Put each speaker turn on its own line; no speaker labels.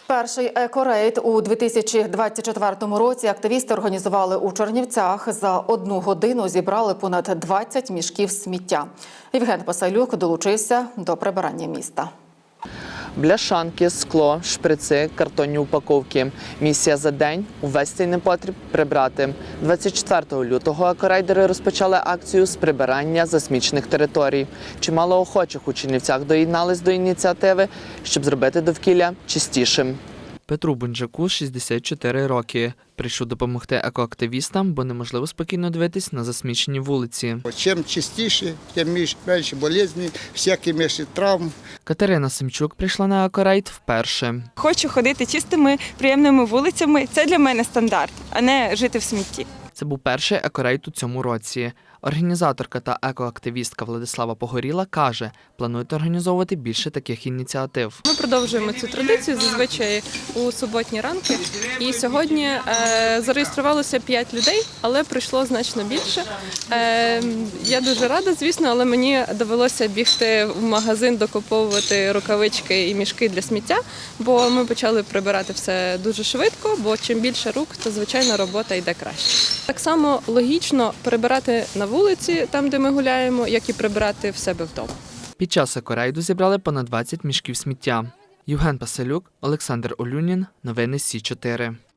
Перший екорейд у 2024 році активісти організували у Чернівцях. За 1 годину зібрали понад 20 мішків сміття. Євген Пасалюк долучився до прибирання міста.
Бляшанки, скло, шприци, картонні упаковки. Місія за день – увесь цей непотріб прибрати. 24 лютого екорейдери розпочали акцію з прибирання засмічених територій. Чимало охочих у Чернівцях доєднались до ініціативи, щоб зробити довкілля чистішим. Петру Бунджаку 64 роки. Прийшов допомогти екоактивістам, бо неможливо спокійно дивитись на засмічені вулиці.
Чим чистіше, тим менше болезні, всякі менше травм.
Катерина Семчук прийшла на екорейд вперше.
Хочу ходити чистими, приємними вулицями. Це для мене стандарт, а не жити в смітті.
Це був перший екорейд у цьому році. Організаторка та екоактивістка Владислава Погоріла каже, планують організовувати більше таких ініціатив.
Ми продовжуємо цю традицію зазвичай у суботні ранки. І сьогодні зареєструвалося 5 людей, але прийшло значно більше. Я дуже рада, звісно, але мені довелося бігти в магазин, докуповувати рукавички і мішки для сміття, бо ми почали прибирати все дуже швидко, бо чим більше рук, то, звичайно, робота йде краще. Так само логічно прибирати на вулиці, там, де ми гуляємо, як і прибирати в себе вдома.
Під час екорейду зібрали понад 20 мішків сміття. Євген Пасалюк, Олександр Олюнін. Новини Сі 4.